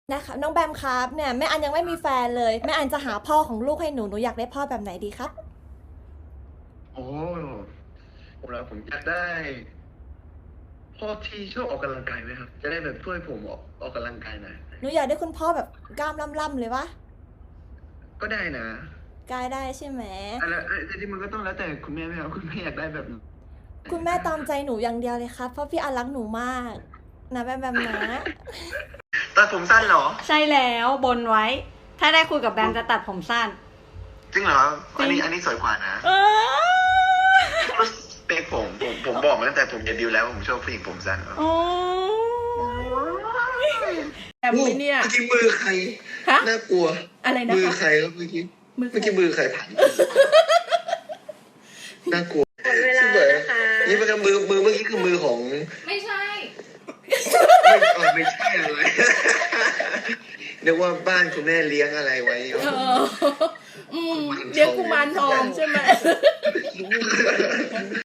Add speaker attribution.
Speaker 1: นะคะน้องแบมครับเนี่ยแม่อันยังไม่มีแฟนเลยแม่อันจะหาพ่อของลูกให้หนูอยากได้พ่อแบบไหนดีครับ
Speaker 2: โอ้ผมอยากได้พ่อที่ชอบออกกำลังกายไหมครับ จะได้แบบช่วยผมออกกำลังกายหน่อย
Speaker 1: หนูอยากได้คุณพ่อแบบกล้ามล่ำๆเลยวะ
Speaker 2: ก็ได้นะ
Speaker 1: กายได้ใช่ไหม
Speaker 2: แต่ที่มันก็ต้องแล้วแต่คุณแม่ไหมครับคุณแม่อยากได้แบบไหน
Speaker 1: คุณแม่ตามใจหนูอย่างเดียวเลยครับเพราะพี่อันรักหนูมากนะแบมแบมนะ
Speaker 2: ตัดผมสั้นเหรอ
Speaker 3: ใช่แล้วบนไว้ ถ้าได้คุยกับแบมจะตัดผมสั้น
Speaker 2: จริงเหรออันนี้สวยกว่านะ
Speaker 3: เออ
Speaker 2: เป๊กผมบอกมาตั้งแต่ผมจะดิวแล้วว่าผมชอบผู้หญิงผมสั้น
Speaker 3: โอ้แบมไม่เนี่ย
Speaker 2: เมื่อกี้มือใคร
Speaker 3: ฮะ
Speaker 2: น่ากลัว
Speaker 3: อะไรนะ
Speaker 2: มือ
Speaker 3: คะ
Speaker 2: ใครครับเมื่อกี้
Speaker 3: มือใคร
Speaker 2: เมื่อกี้มือใครผ่านน่ากลัว
Speaker 3: หมดเวลานะคะ
Speaker 2: นี่มันก็มือเมื่อกี้คือมือของ
Speaker 3: ไม่ใช่
Speaker 2: ไม่ใช่อะไรนึกว่าบ้านคุณแม่เลี้ยงอะไรไว้
Speaker 3: เรียกกุมารทองใช่ไหม